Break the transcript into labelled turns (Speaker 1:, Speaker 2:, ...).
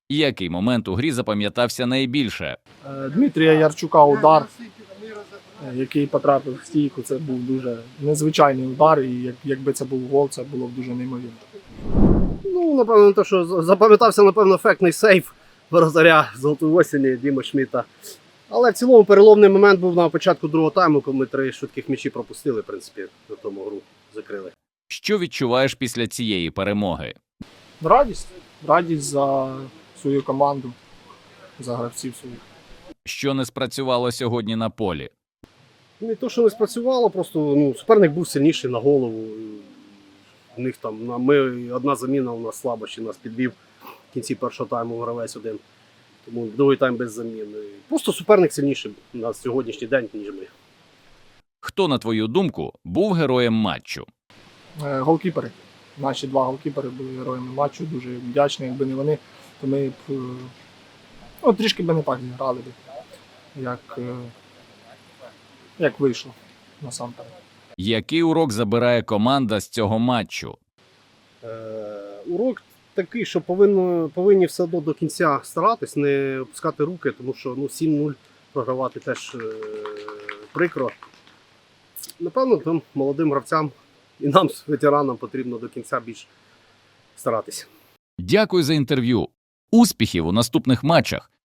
Speaker 1: Який момент у грі запам'ятався найбільше?
Speaker 2: Дмитрія Ярчука удар, який потрапив в стійку, це був дуже незвичайний удар, і якби це був гол, це було б дуже неймовірно.
Speaker 3: Ну, напевно, те, що запам'ятався, напевно, ефектний сейф воротаря Золотої осені Діми Шміта. Але в цілому переломний момент був на початку другого тайму, коли ми 3 швидких м'ячі пропустили, в принципі, на тому гру закрили.
Speaker 1: Що відчуваєш після цієї перемоги?
Speaker 2: Радість. Радість за свою команду, за гравців своїх.
Speaker 1: Що не спрацювало сьогодні на полі?
Speaker 3: Не то, що не спрацювало, просто суперник був сильніший на голову. У них там, одна заміна у нас слаба, ще нас підвів в кінці першого тайму гравець один. Тому другий тайм без заміни. Просто суперник сильніший на сьогоднішній день, ніж ми.
Speaker 1: Хто, на твою думку, був героєм матчу?
Speaker 2: Голкіпери. Наші 2 голкіпери були героями матчу, дуже вдячні. Якби не вони, то ми б трішки би не так зіграли б, як вийшло насамперед.
Speaker 1: Який урок забирає команда з цього матчу?
Speaker 3: Урок такий, що повинні все одно до кінця старатись, не опускати руки, тому що 7-0 програвати теж прикро. Напевно, там молодим гравцям і нам, ветеранам, потрібно до кінця більш старатись.
Speaker 1: Дякую за інтерв'ю. Успіхів у наступних матчах.